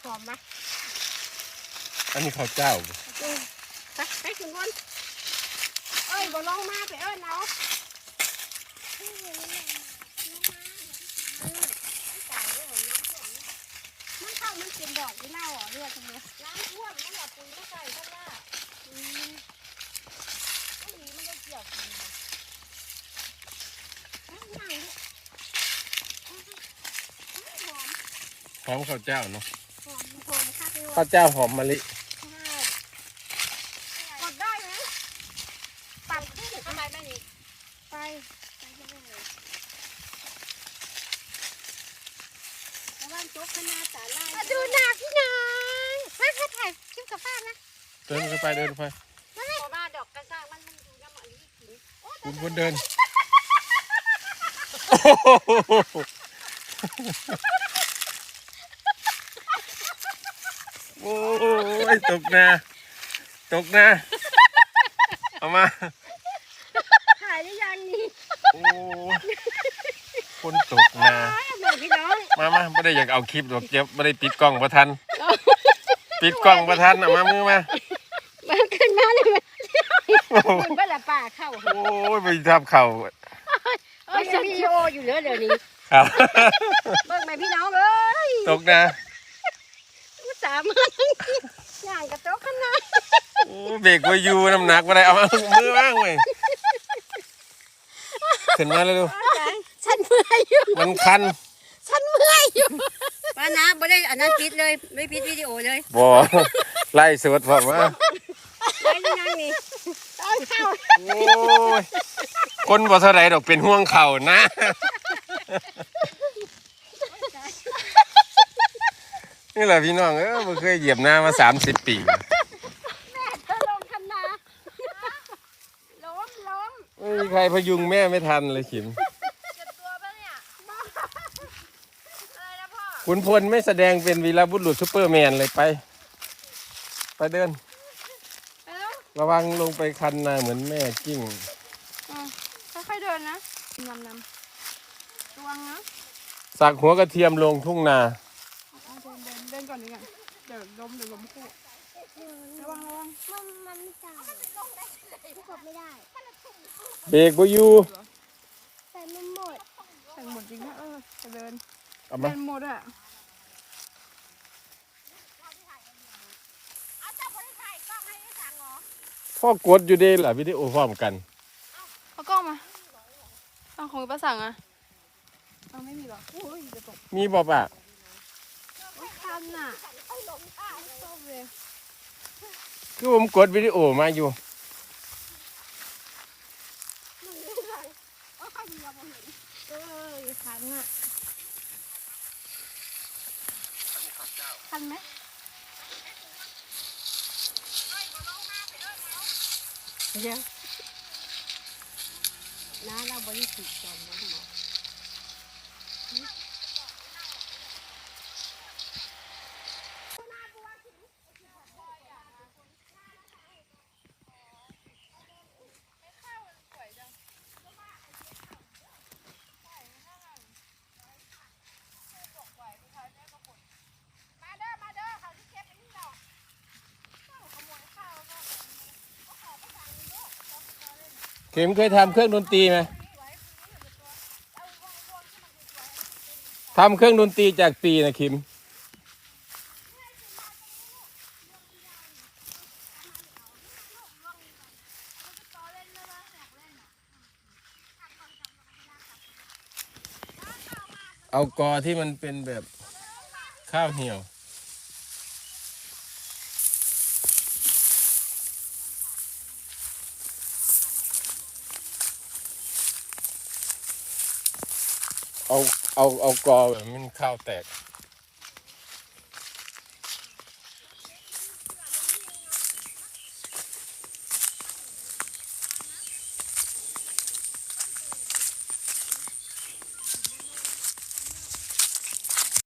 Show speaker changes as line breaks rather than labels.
หอมไหม
อันนี้ข้าวเจ้า
ไปถึงวันเอ้ยบ่ลองมาไปเอ้ยเนาะมันเข้ามันเป็นดอกที่เน่าเลือดตรงนี้น้ำท่วมมันหลับปุ๋ยไม่ใส่เพราะว่าไม่มีไม่ได้เกี่ยวกัน
หอมข้าวเจ้าเนาะ
หอมค่ะพี่ว่า
ข้าวเจ้าหอมมะลิ
กดได้ไหมปรับขึ้นทำไมไม่นี่ไปแล้ววันจุกขนาดสาลายดูหนักพี่น้องมาถ่ายคลิปกับป้านะ
เดินไปเดินไป
มาดอกกระซ่ามันดูน้ำมันนี่กิน
คุณคนเดินโอ้ยตกนะเอามา
ถ่ายได้ยังนี่
โอ้คนตกนะ
พี่น้อง
มาไม่ได้อยากเอาคลิปหรอกเจ็บไม่ได้ปิดกล้องประทันปิดกล้องประทันเอามามือมา
ขึ้นมาเลยมันเป็นละป่าเข้า
โอ้ยไปทำเข่า
ไม่ใช่วิดีโออยู่เดี๋ยวนี้
ครับ
เบิ่งไหมพี่น้องเอ้ย
ตกนะ
สามารถอย่างกระโตกขนาด
โอ้เบรกไว้อยู่น้ำหนักมาได้เอามือบ้างเลยขึ้นมาเลยดู
ฉันเมื่อยอยู่
มันคัน
ฉันเมื่อยอยู่ป้านะไม่ได้อันนั้นปิดเลยไม่ปิดวิดีโอเลย
บ่ไล่สวดผมว่า
ไล่ยังนี่ต้นเข้า
โอ้ยคนบ่เท่าไรดอกเป็นห่วงเข่านะนี่แหละพี่น้องไม่เคยเหยียบหน้ามา30 ปี
แม่เธอลงคันนาล้ม
ไม่มีใครพยุงแม่ไม่ทันเลยขิม
เจ็บตัวปะเนี่ยอะไรนะพ่อ
ขุนพลไม่แสดงเป็นวีรบุรุษซุปเปอร์แมนเลยไปเดินระวังลงไปคันนาเหมือนแม่กิ้ง
ค่อยๆเดินนะนำระวังนะ
สักหัวกระเทียมลงทุ่งนา
เดินก่อนดีกว่าเดี๋ยวล้มคู่ระวังมันจ่ายกดไม่ได้
เบรกบ่อยู่
ใส่มันหมดจริงนะจะเดินหมดอ่ะ
พ่อกดอยู่ดีแหละวิดีโอพร้อมกัน
เอากล้องมาเอาของป้าสั่งอ่ะเอาไม่มีหรอ
มีบ่ปะ
คันน่ะ
คือผมกดวิดีโอมาอยู่
คันไหมเดี๋ยวน้าเราบริสุทธิ์ก่อนนะหมอ
เข็มเคยทำเครื่องดนตรีไหมทำเครื่องดนตรีจากปีนะคิมเอากอที่มันเป็นแบบข้าวเหี่ยวเอากอแบบมันข้าวแตก